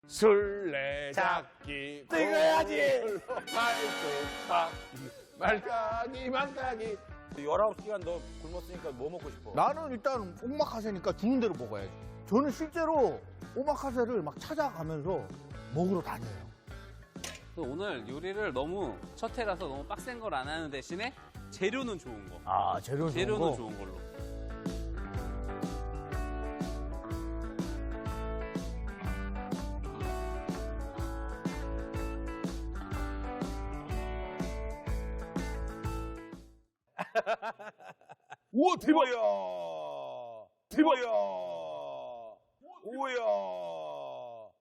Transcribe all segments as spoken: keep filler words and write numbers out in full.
술래잡기 찍어야지. 말뚝박기 말까기 망까기. 열아홉 시간 너 굶었으니까 뭐 먹고 싶어? 나는 일단 오마카세니까 주는 대로 먹어야지. 저는 실제로 오마카세를 막 찾아가면서 먹으러 다녀요. 오늘 요리를 너무 첫 해라서 너무 빡센 걸 안 하는 대신에 재료는 좋은 거. 아, 재료는 좋은 재료는 거? 좋은 걸로. 우와 대박! 오야. 대박! 오야. 오야.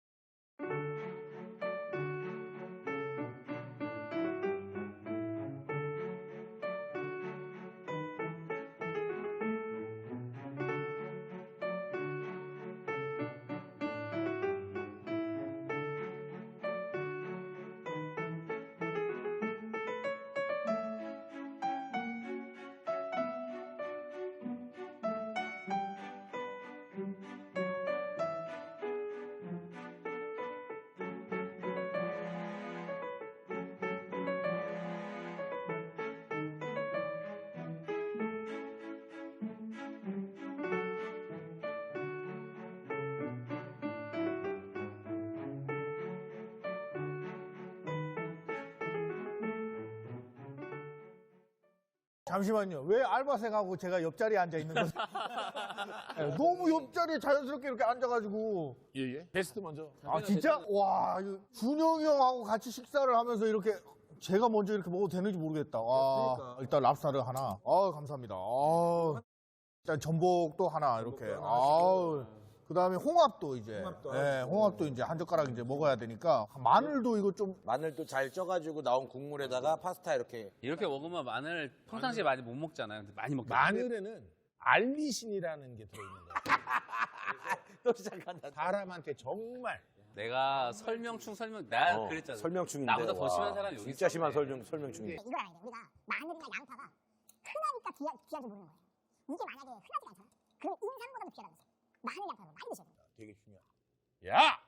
잠시만요. 왜 알바생하고 제가 옆자리에 앉아 있는 거죠? 네, 너무 옆자리에 자연스럽게 이렇게 앉아가지고. 예예. 베스트 먼저. 아, 진짜? 와, 이거 준영이 형하고 같이 식사를 하면서 이렇게 제가 먼저 이렇게 먹어도 되는지 모르겠다. 와, 일단 랍스타를 하나. 아, 감사합니다. 아, 일단 전복도 하나 이렇게. 아, 그 다음에 홍합도 이제. 홍합도 네, 홍합도 이제 한 젓가락 이제 먹어야 되니까. 마늘도 이거 좀. 마늘도 잘 쪄가지고 나온 국물에다가 파스타 이렇게. 이렇게 먹으면 마늘 평상시에 많이 못 먹잖아요. 근데 많이 먹잖아요. 마늘에는 알리신이라는 게 들어있는 거야. 또 시작한다. 사람한테 정말 내가 설명충 설명 나 어, 그랬잖아. 설명충인데. 나보다 더 와, 심한 사람이 여기 진짜 있었네. 심한 설명, 설명충이. 이걸 알아야 돼. 우리가 마늘이나 양파가 흔하니까 귀하, 귀하게 모르는 거예요. 이게 만약에 흔하지 않잖아. 그럼 인삼보다도 귀하다는 거죠. 마늘, 양파를 많이 드셔야 돼요. 되게 중요해. 야!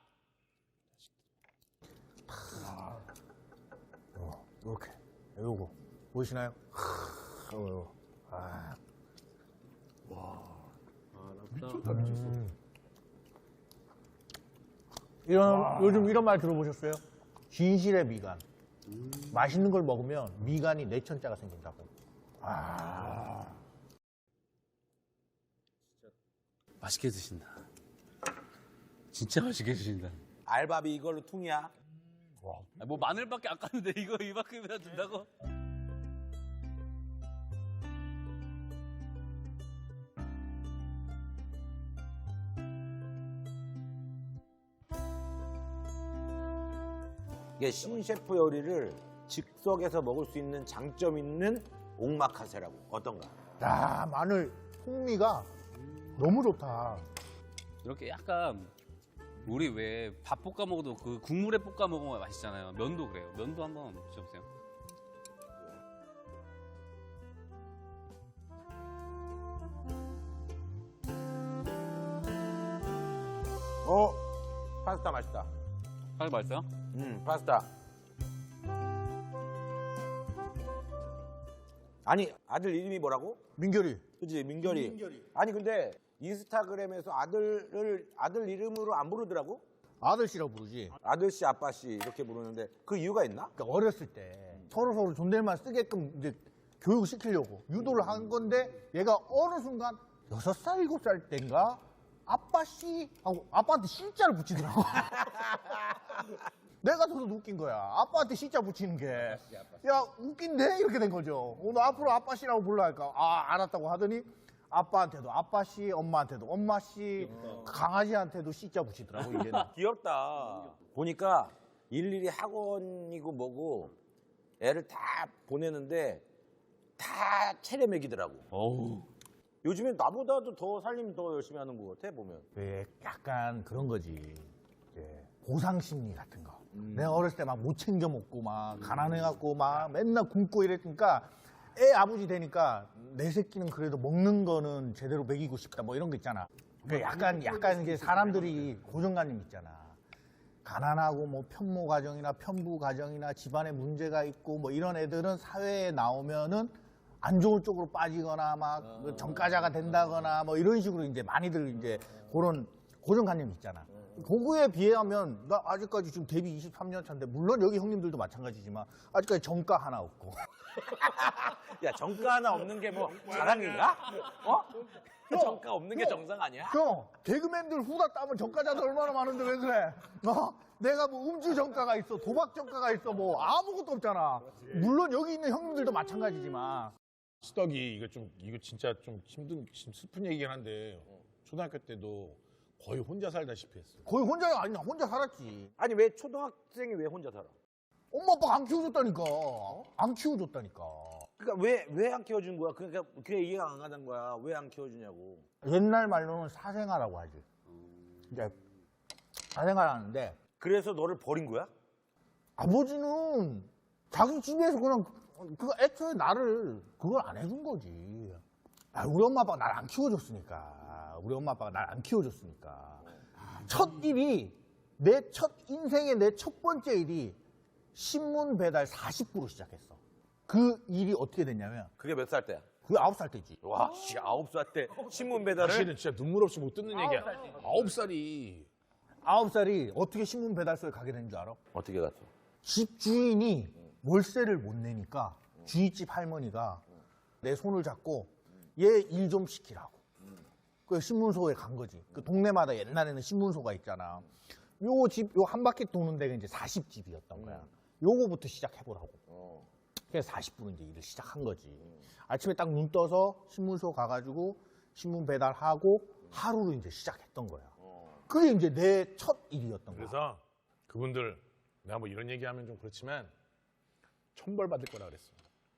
어, 이렇게. 요거. 보이시나요? 하, 요거. 아. 미쳤다 미쳤어. 이런, 요즘 이런 말 들어보셨어요? 진실의 미간. 맛있는 걸 먹으면 미간이 내천자가 생긴다고. 아. 맛있게 드신다. 진짜 맛있게 드신다. 알바비 이걸로 퉁이야. 아, 뭐 마늘밖에 안 깠는데 이거 이만큼이나 준다고? 이게 신셰프 요리를 즉석에서 먹을 수 있는 장점 있는 옥마카세라고. 어떤가? 야, 마늘 풍미가 너무 좋다. 이렇게 약간 우리 왜 밥 볶아 먹어도 그 국물에 볶아 먹으면 맛있잖아요. 면도 그래요. 면도 한번 드셔보세요. 어? 파스타 맛있다. 파스 맛있어요? 음, 파스타. 아니, 아들 이름이 뭐라고? 민결이. 그치, 민결이. 아니, 근데 인스타그램에서 아들을, 아들 이름으로 안 부르더라고? 아들씨라고 부르지. 아들씨, 아빠씨 이렇게 부르는데 그 이유가 있나? 그러니까 어렸을 때 서로 서로 존댓말 쓰게끔 이제 교육을 시키려고 유도를 한 건데 얘가 어느 순간 여섯 살, 일곱 살 때인가 아빠씨 하고 아빠한테 씨자를 붙이더라고. 내가 저도 웃긴 거야. 아빠한테 씨자 붙이는 게. 야, 웃긴데? 이렇게 된 거죠. 오늘 앞으로 아빠씨라고 불러할까? 아, 알았다고 하더니 아빠한테도 아빠씨, 엄마한테도 엄마씨, 강아지한테도 씨자 붙이더라고, 이제는. 귀엽다. 보니까 일일이 학원이고 뭐고 애를 다 보내는데 다 체려 먹이더라고. 어우. 요즘엔 나보다도 더 살림 더 열심히 하는 것 같아, 보면. 왜 약간 그런 거지. 이제 보상 심리 같은 거. 내가 어렸을 때 막 못 챙겨 먹고 막 가난해갖고 막 맨날 굶고 이랬으니까 애 아버지 되니까 내 새끼는 그래도 먹는 거는 제대로 먹이고 싶다 뭐 이런 거 있잖아. 그 약간 약간 이게 사람들이 고정관념 있잖아. 가난하고 뭐 편모 가정이나 편부 가정이나 집안에 문제가 있고 뭐 이런 애들은 사회에 나오면은 안 좋은 쪽으로 빠지거나 막 전과자가 된다거나 뭐 이런 식으로 이제 많이들 이제 그런 고정관념이 있잖아. 그거에 비하면 나 아직까지 지금 데뷔 이십삼 년 차인데 물론 여기 형님들도 마찬가지지만 아직까지 정가 하나 없고. 야, 정가 하나 없는 게 뭐 자랑인가? 어? 정가 없는 게 정상 아니야? 형, 개그맨들 후다 따면 정가자들 얼마나 많은데 왜 그래? 어? 내가 뭐 음주 정가가 있어, 도박 정가가 있어, 뭐 아무것도 없잖아. 물론 여기 있는 형님들도 마찬가지지만. 수덕이 이거 좀 이거 진짜 좀 힘든 좀 슬픈 얘기긴 한데 초등학교 때도 거의 혼자 살다시피 했어. 거의 혼자가 아니야, 혼자 살았지. 아니, 왜 초등학생이 왜 혼자 살아? 엄마 아빠가 안 키워줬다니까. 안 키워줬다니까. 그러니까 왜 왜 안 키워준 거야? 그러니까 그게 이해가 안 가는 거야. 왜 안 키워주냐고. 옛날 말로는 사생아라고 하지. 이제 사생아를 하는데 그래서 너를 버린 거야? 아버지는 자기 집에서 그냥 그 애초에 나를 그걸 안 해준 거지. 아, 우리 엄마 아빠가 날 안 키워줬으니까. 우리 엄마 아빠가 날 안 키워줬으니까. 첫 일이 내 첫 인생의 내 첫 번째 일이 신문 배달 사십 부로 시작했어. 그 일이 어떻게 됐냐면 그게 몇 살 때야? 그게 아홉 살 때지. 와, 씨, 아홉 살 때 신문 배달을? 사실은 진짜 눈물 없이 못 듣는 얘기야. 아홉 살이 아홉 살이 어떻게 신문 배달소에 가게 된 줄 알아? 어떻게 갔어? 집 주인이 월세를 못 내니까 주인집 할머니가 내 손을 잡고 얘 일 좀 시키라고. 그 신문소에 간 거지. 그 동네마다 옛날에는 신문소가 있잖아. 요 집, 요 한 바퀴 도는 데가 이제 사십 집이었던 거야. 요거부터 시작해보라고. 그래서 사십 분 이제 일을 시작한 거지. 아침에 딱 눈 떠서 신문소 가가지고 신문 배달하고 하루를 이제 시작했던 거야. 그게 이제 내 첫 일이었던 거야. 그래서 그분들 내가 뭐 이런 얘기하면 좀 그렇지만 천벌 받을 거라 그랬어.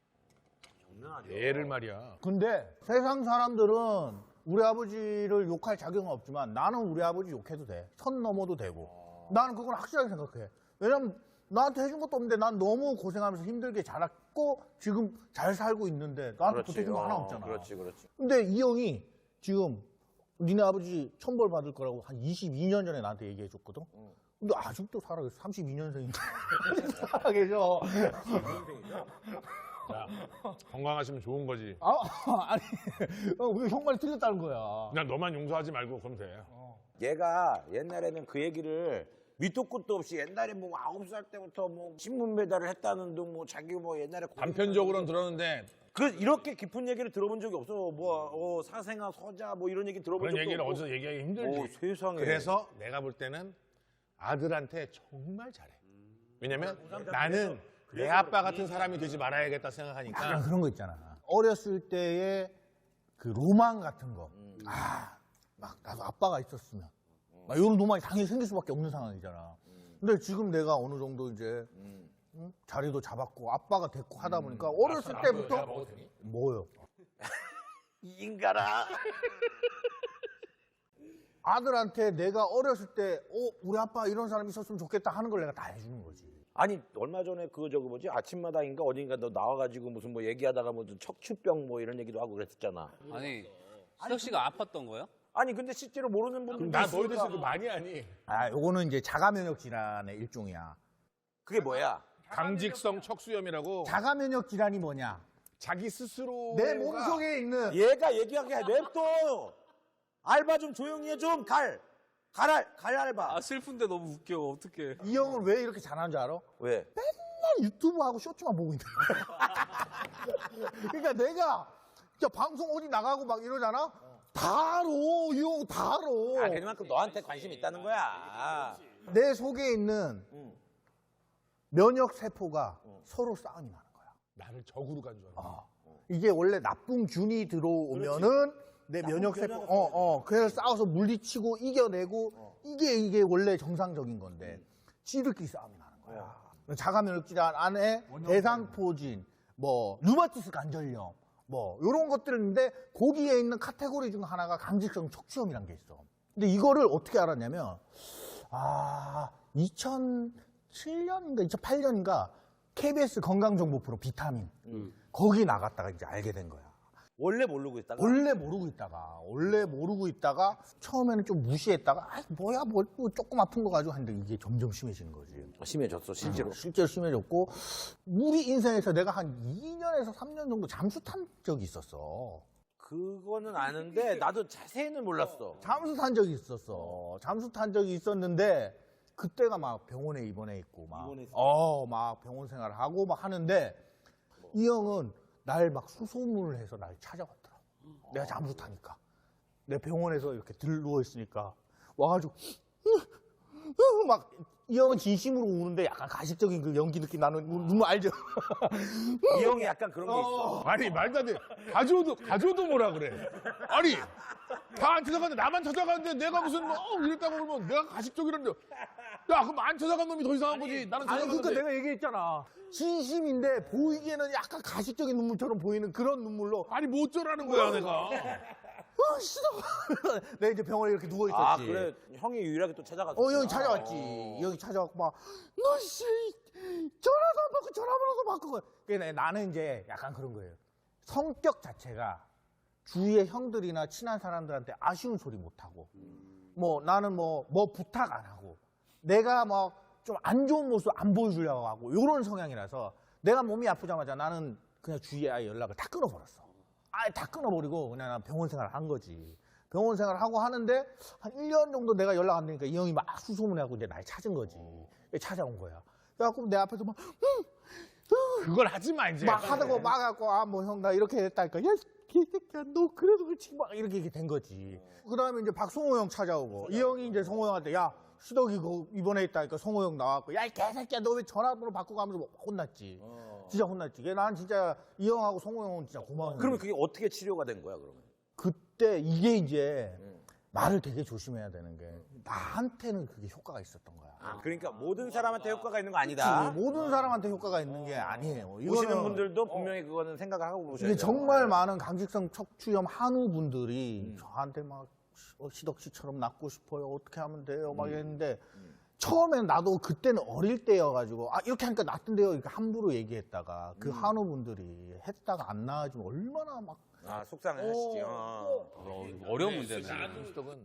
애를 말이야. 근데 세상 사람들은 우리 아버지를 욕할 자격은 없지만 나는 우리 아버지 욕해도 돼. 선 넘어도 되고. 나는 그건 확실하게 생각해. 왜냐면 나한테 해준 것도 없는데 난 너무 고생하면서 힘들게 자랐고 지금 잘 살고 있는데 나한테 보태준 거 하나 없잖아. 그렇지, 그렇지. 근데 이 형이 지금 니네 아버지 천벌 받을 거라고 한 이십이 년 전에 나한테 얘기해 줬거든. 근데 아직도 살아계셔. 삼십이 년생인데 살아계셔. 자, 건강하시면 좋은 거지. 아, 아니, 우리 형 말이 틀렸다는 거야. 그냥 너만 용서하지 말고 그럼 돼. 얘가 옛날에는 그 얘기를 밑도 끝도 없이 옛날에 뭐 아홉 살 때부터 뭐 신문 배달을 했다는 둥 뭐 자기 뭐 옛날에 단편적으로는 들었는데 그 이렇게 깊은 얘기를 들어본 적이 없어. 뭐 어, 사생아 서자 뭐 이런 얘기 들어본 그런 적도 얘기를 없고. 어디서 얘기하기 힘들지. 오, 세상에. 그래서 내가 볼 때는 아들한테 정말 잘해. 왜냐면 나는 내 아빠 같은 사람이 되지 말아야겠다 생각하니까. 약간 그런 거 있잖아. 어렸을 때의 그 로망 같은 거. 아, 막 나도 아빠가 있었으면. 막 이런 로망이 당연히 생길 수밖에 없는 상황이잖아. 근데 지금 내가 어느 정도 이제 응? 자리도 잡았고 아빠가 됐고 하다 보니까 어렸을 내가 때부터 먹어도 되니? 뭐요? 이 인간아. 아들한테 내가 어렸을 때 어, 우리 아빠 이런 사람이 있었으면 좋겠다 하는 걸 내가 다 해주는 거지. 아니 얼마 전에 그 저거 뭐지 아침마당인가 어딘가 너 나와가지고 무슨 뭐 얘기하다가 뭐 척추병 뭐 이런 얘기도 하고 그랬었잖아. 아니 수덕 씨가 아팠던 거예요? 아니 근데 실제로 모르는 분들도 나 너희들 있으니까. 그 많이 하니. 아, 요거는 이제 자가면역 질환의 일종이야. 그게 뭐야? 강직성 척수염이라고 자가 면역 질환이 뭐냐? 자기 스스로 내 몸속에 있는 얘가 얘기하게 해. 냅둬. 알바 좀 조용히 해 좀. 갈. 갈알. 갈 알바. 아 슬픈데 너무 웃겨. 어떡해. 이 형은 왜 이렇게 잘하는 줄 알아? 왜? 맨날 유튜브하고 쇼츠만 보고 있는 거야. 그러니까 내가 진짜 방송 어디 나가고 막 이러잖아? 다 알아. 이 형 다 알아. 아, 그만큼 너한테 관심 있다는 거야. 내 속에 있는 응. 면역 세포가 서로 싸움이 나는 거야. 나를 적으로 간 줄 알아. 아, 이게 원래 나쁜 균이 들어오면은 내 면역 세포, 면역 어, 어, 그래서 싸워서 물리치고 이겨내고 이게 이게 원래 정상적인 건데 지들끼리 싸움이 나는 거야. 자가 면역 질환 안에 대상포진, 뭐 류마티스 관절염, 뭐 이런 것들인데 거기에 있는 카테고리 중 하나가 강직성 척추염이라는 게 있어. 근데 이거를 어떻게 알았냐면 아 이천칠 년인가 이천팔 년인가 케이비에스 건강정보 프로 비타민 음. 거기 나갔다가 이제 알게 된 거야. 원래 모르고 있다가 원래 모르고 있다가 원래 모르고 있다가 처음에는 좀 무시했다가 아 뭐야 뭐, 뭐 조금 아픈 거 가지고 하는데 이게 점점 심해지는 거지. 심해졌어 실제로. 실제로 심해졌고 우리 인생에서 내가 한 이 년에서 삼 년 정도 잠수 탄 적이 있었어. 그거는 아는데 나도 자세히는 몰랐어. 잠수 탄 적이 있었어. 잠수 탄 적이 있었는데 그때가 막 병원에 입원해 있고 막 입원해 있어? 어, 막 병원 생활을 하고 막 하는데 이 형은 날 막 수소문을 해서 날 찾아왔더라. 내가 잠수 타니까. 내 병원에서 이렇게 들 누워 있으니까 와가지고 막 이 형은 진심으로 우는데 약간 가식적인 그 연기 느낌 나는 눈물 알죠? 이 형이 약간 그런 게 있어. 아니 말도 안 돼. 가져도 가져도 뭐라 그래. 아니 다 안 찾아갔는데 나만 찾아갔는데 내가 무슨 뭐 어, 이랬다고 그러면 내가 가식적이란데. 야 그럼 안 찾아간 놈이 더 이상한 거지. 나는 아니 찾아갔는데. 그러니까 내가 얘기했잖아. 진심인데 보이기에는 약간 가식적인 눈물처럼 보이는 그런 눈물로 아니 뭐 어쩌라는 거야 내가. 어, 싫어. 내가 이제 병원에 이렇게 누워 있었지. 아 그래 형이 유일하게 또 찾아갔어. 어, 형이 찾아왔지. 형이 찾아왔고 막, 너 씨, 전화도 안 받고 전화번호도 바꾸고. 그래, 나는 이제 약간 그런 거예요. 성격 자체가 주위의 형들이나 친한 사람들한테 아쉬운 소리 못 하고, 뭐 나는 뭐, 뭐 부탁 안 하고, 내가 뭐 좀 안 좋은 모습 안 보여주려고 하고, 요런 성향이라서 내가 몸이 아프자마자 나는 그냥 주위에 아예 연락을 다 끊어버렸어. 아예 다 끊어버리고 그냥 난 병원 생활을 한 거지. 병원 생활을 하고 하는데 한 일 년 정도 내가 연락 안 되니까 이 형이 막 수소문해갖고 이제 날 찾은 거지. 찾아온 거야. 그래갖고 내 앞에서 막, 응, 그걸 하지 마 이제. 막 하다가 막 갖고 아 뭐 형 나 이렇게 했다니까 야 개새끼야 너 그래도 그렇지 막 이렇게 이렇게 된 거지. 그 다음에 이제 박성호 형 찾아오고 이 형이 이제 성호 형한테 야 시덕이 그 입원해 있다니까 성호 형 나왔고 야 이 개새끼야 너 왜 전화번호 바꾸고 하면서 막 혼났지. 진짜 혼났지. 난 진짜 이 형하고 성호 형은 진짜 고마워. 그러면 그게 어떻게 치료가 된 거야 그러면? 그때 이게 이제 말을 되게 조심해야 되는 게 나한테는 그게 효과가 있었던 거야. 아 그러니까 모든 사람한테 효과가 있는 거 그치, 아니다. 모든 사람한테 효과가 있는 게 아니에요. 보시는 이거는 분들도 분명히 그거는 생각을 하고 보셔야 이게 돼요. 정말 많은 강직성 척추염 한우분들이 저한테 막 시- 어, 시덕 씨처럼 낫고 싶어요. 어떻게 하면 돼요? 막 이랬는데 처음에는 나도 그때는 어릴 때여가지고 아 이렇게 하니까 낫던데요. 이렇게 함부로 얘기했다가 그 한우분들이 했다가 안 나아지면 얼마나 막 아 속상해 하시지. 어. 어, 어려운 문제네. 수덕은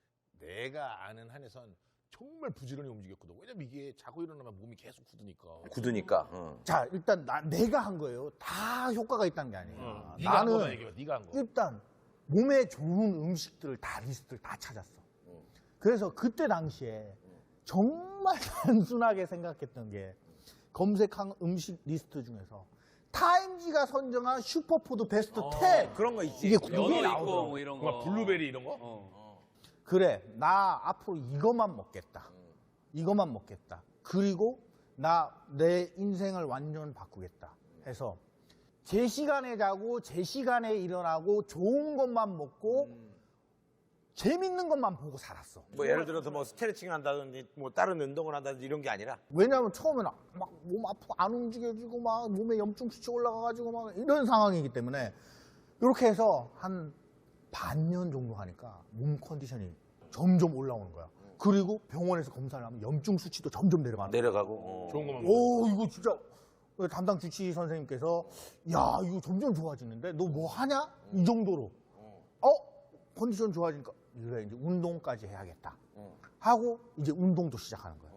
내가 아는 한에선 정말 부지런히 움직였거든. 왜냐면 이게 자고 일어나면 몸이 계속 굳으니까. 굳으니까. 어. 자, 일단 나, 내가 한 거예요. 다 효과가 있다는 게 아니에요. 어, 네가 한 거만 얘기해봐. 네가 한 거. 일단 몸에 좋은 음식들을 다 리스트를 다 찾았어. 그래서 그때 당시에 정말 단순하게 생각했던 게 검색한 음식 리스트 중에서 타임지가 선정한 슈퍼푸드 베스트 텐. 그런 거 있지. 이게 연어 그게 있고 나오더라고. 뭐 이런 거. 막 블루베리 이런 거? 어. 그래, 나 앞으로 이것만 먹겠다. 이것만 먹겠다. 그리고 나 내 인생을 완전 바꾸겠다. 해서 제 시간에 자고 제 시간에 일어나고 좋은 것만 먹고 재밌는 것만 보고 살았어. 뭐 예를 들어서 뭐 스트레칭 한다든지 뭐 다른 운동을 한다든지 이런 게 아니라 왜냐하면 처음에는 막 몸 아프고 안 움직여지고 막 몸에 염증 수치 올라가가지고 막 이런 상황이기 때문에 이렇게 해서 한 반년 정도 하니까 몸 컨디션이 점점 올라오는 거야. 그리고 병원에서 검사를 하면 염증 수치도 점점 내려가는 거야. 내려가고. 어. 좋은 것만 먹어. 오 이거 진짜 담당 주치 선생님께서 야 이거 점점 좋아지는데 너 뭐 하냐? 이 정도로 어? 컨디션 좋아지니까 그래 이제 운동까지 해야겠다 하고 이제 운동도 시작하는 거야.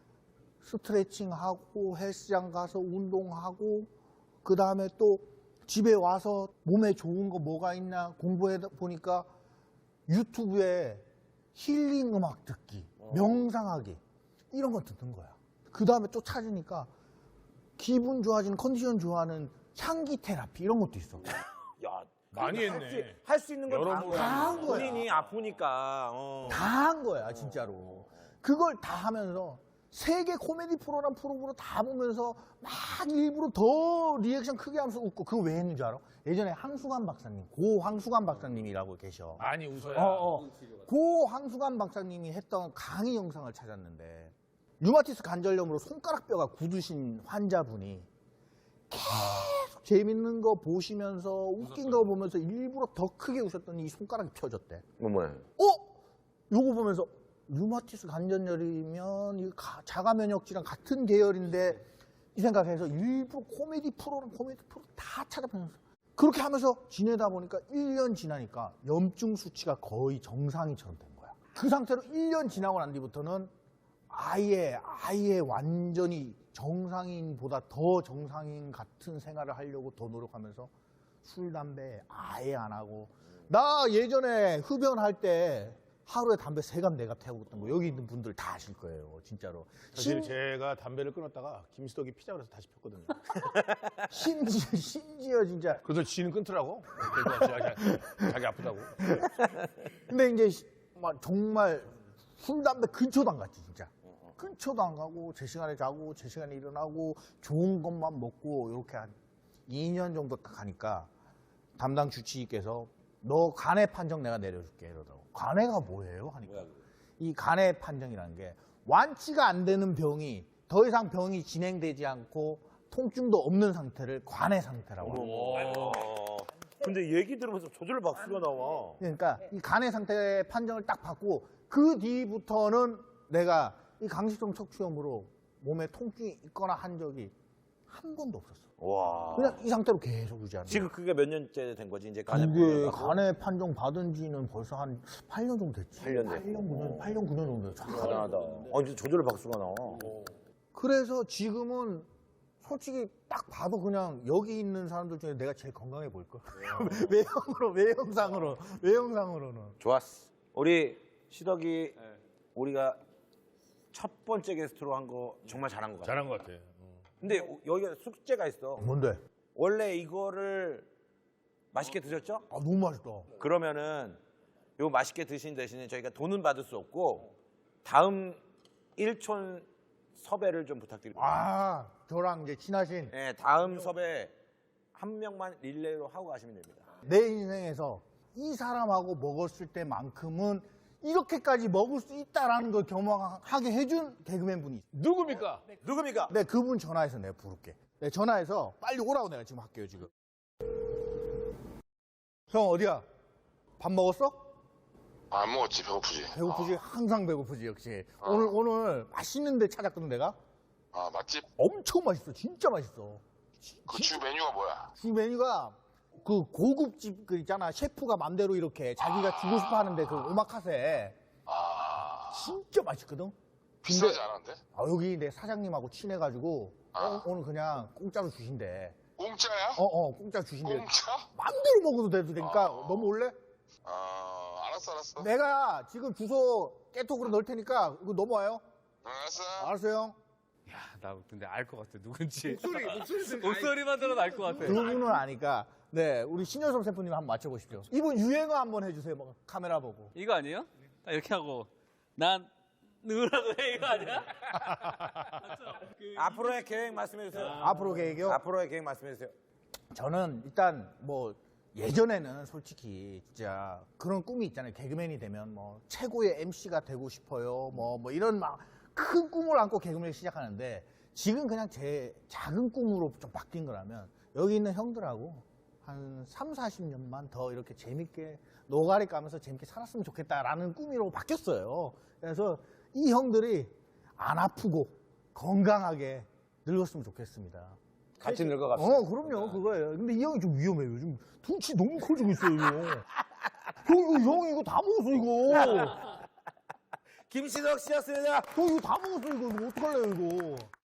스트레칭 하고 헬스장 가서 운동하고 그 다음에 또 집에 와서 몸에 좋은 거 뭐가 있나 공부해 보니까 유튜브에 힐링 음악 듣기, 명상하기 이런 거 듣는 거야. 그 다음에 또 찾으니까 기분 좋아지는 컨디션 좋아하는 향기 테라피 이런 것도 있어. 야 많이 했네. 할 수 있는 여러 건다 번 한 거야. 본인이 아프니까. 어. 다 한 거야 진짜로. 그걸 다 하면서 세계 코미디 프로랑 프로그램 다 보면서 막 일부러 더 리액션 크게 하면서 웃고 그거 왜 했는 줄 알아? 예전에 황수관 박사님, 고 황수관 박사님이라고 계셔. 많이 웃어야. 어, 어. 고 황수관 박사님이 했던 강의 영상을 찾았는데 류마티스 관절염으로 손가락 뼈가 굳으신 환자분이 계속 재밌는 거 보시면서 웃긴 거 보면서 일부러 더 크게 웃었더니 이 손가락이 펴졌대. 뭐뭐야. 어? 요거 보면서 류마티스 관절염이면 이 가- 자가 면역질환 같은 계열인데 이 생각해서 일부러 코미디 프로랑 코미디 프로 다 찾아보면서 그렇게 하면서 지내다 보니까 일 년 지나니까 염증 수치가 거의 정상이처럼 된 거야. 그 상태로 일 년 지나고 난 뒤부터는 아예 아예 완전히 정상인보다 더 정상인 같은 생활을 하려고 더 노력하면서 술, 담배 아예 안 하고. 나 예전에 흡연할 때 하루에 담배 세 갑, 네 갑 태우고 거 여기 있는 분들 다 아실 거예요, 진짜로. 사실 제가 담배를 끊었다가 김수덕이 피자 그래서 다시 폈거든요. 심지어, 심지어 진짜. 그래서 지는 끊더라고. 자기, 자기 아프다고. 근데 이제 시- 막 정말 술, 담배 근처도 안 갔지, 진짜. 근처도 안 가고, 제 시간에 자고, 제 시간에 일어나고, 좋은 것만 먹고, 이렇게 한 이 년 정도 딱 가니까 담당 주치의께서 너 간의 판정 내가 내려줄게 이러더라고. 간해가 뭐예요? 하니까 이 간의 판정이라는 게 완치가 안 되는 병이 더 이상 병이 진행되지 않고 통증도 없는 상태를 관해 상태라고 합니다. 근데 얘기 들으면서 저절로 박수가 나와. 그러니까 이 간의 상태 판정을 딱 받고 그 뒤부터는 내가 이 강식성 척추염으로 몸에 통증이 있거나 한 적이 한 번도 없었어. 와. 그냥 이 상태로 계속 유지하는 거야. 지금 그게 몇 년째 된 거지? 이제 간에 그게 간의 판정 받은 지는 벌써 한 팔 년 정도 됐지. 팔 년 됐고. 팔 년, 구 년, 팔 년, 구 년 정도 됐죠. 대단하다. 어, 이제 저절로 박수가 나와. 그래서 지금은 솔직히 딱 봐도 그냥 여기 있는 사람들 중에 내가 제일 건강해 보일걸. 외형으로, 외형상으로, 외형상으로는. 좋았어. 우리 시덕이 우리가 첫 번째 게스트로 한 거 정말 잘한 것 같아. 잘한 것 같아. 근데 여기가 숙제가 있어. 뭔데? 원래 이거를 맛있게 드셨죠? 아, 너무 맛있다. 그러면은 요 맛있게 드신 대신에 저희가 돈은 받을 수 없고 다음 일촌 섭외를 좀 부탁드립니다. 아, 저랑 이제 친하신 네, 다음 섭외 한 명만 릴레이로 하고 가시면 됩니다. 내 인생에서 이 사람하고 먹었을 때만큼은 이렇게까지 먹을 수 있다라는 걸 경험하게 해준 개그맨 분이 있어. 누굽니까? 누굽니까? 내 그분 전화해서 내가 부를게. 내 전화해서 빨리 오라고 내가 지금 할게요, 지금. 형, 어디야? 밥 먹었어? 안 먹었지, 배고프지. 배고프지? 항상 배고프지, 역시. 오늘, 오늘 맛있는 데 찾았거든, 내가? 아, 맛집? 엄청 맛있어. 진짜 맛있어. 그 주 메뉴가 뭐야? 주 메뉴가 그 고급집 그 있잖아. 셰프가 맘대로 이렇게 자기가 주고 싶어 하는데 그 오마카세. 아, 진짜 맛있거든? 비싸지 않은데? 아, 여기 내 사장님하고 친해가지고 아. 어, 오늘 그냥 공짜로 주신대. 공짜야? 어, 어, 공짜 주신대. 공짜? 맘대로 먹어도 돼도 되니까 아. 넘어올래? 아, 알았어, 알았어. 내가 지금 주소 깨톡으로 넣을 테니까 이거 넘어와요. 응, 알았어. 알았어요. 야, 나 근데 알 것 같아. 누군지. 목소리만 들어도 알 것 같아. 두 분은 아니까. 네, 우리 신여섭 셰프님 한번 맞춰보십시오. 이분 유행어 한번 해주세요. 뭐, 카메라 보고. 이거 아니에요? 딱 이렇게 하고 난 누구라고 해 이거 아니야? 앞으로의 계획 말씀해 주세요. 앞으로 계획이요? 앞으로의 계획 말씀해 주세요. 저는 일단 뭐 예전에는 솔직히 진짜 그런 꿈이 있잖아요. 개그맨이 되면 뭐 최고의 엠씨가 되고 싶어요. 뭐, 뭐 이런 막 큰 꿈을 안고 개그맨을 시작하는데 지금 그냥 제 작은 꿈으로 좀 바뀐 거라면 여기 있는 형들하고 한 삼, 사십 년만 더 이렇게 재밌게 노가리 까면서 재밌게 살았으면 좋겠다라는 꿈으로 바뀌었어요. 그래서 이 형들이 안 아프고 건강하게 늙었으면 좋겠습니다. 같이 늙어갑시다. 어, 그럼요. 그거예요. 근데 이 형이 좀 위험해요. 요즘 둔치 너무 커지고 있어요, 이거. 형, 이거, 형, 이거 다 먹었어, 이거. 김시덕 씨였습니다. 형, 이거 다 먹었어, 이거. 이거 어떡할래요, 이거.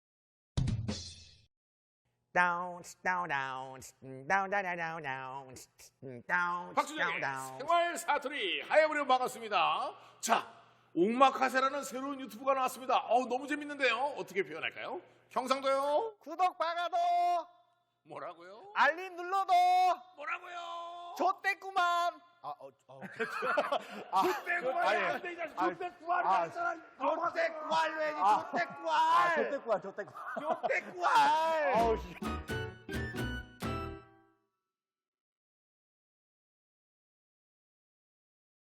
다운 다운 다운 다운 다운 다운 다운 다운 박수정의 생활 사투리 하야부리 반갑습니다. 자, 옥마카세라는 새로운 유튜브가 나왔습니다. 어우, 너무 재밌는데요. 어떻게 표현할까요? 형상도요? 구독 박아도, 뭐라고요? 알림 눌러도, 뭐라고요? 좆됐구만. 아, 어, 어. 아, 족대구알 안 돼, 이 자식. 족대구알 아, 했잖아. 좆됐구알, 왜, 좆됐구알. 아, 좆됐구알, 좆됐구알. 족대구알. 아우, 씨.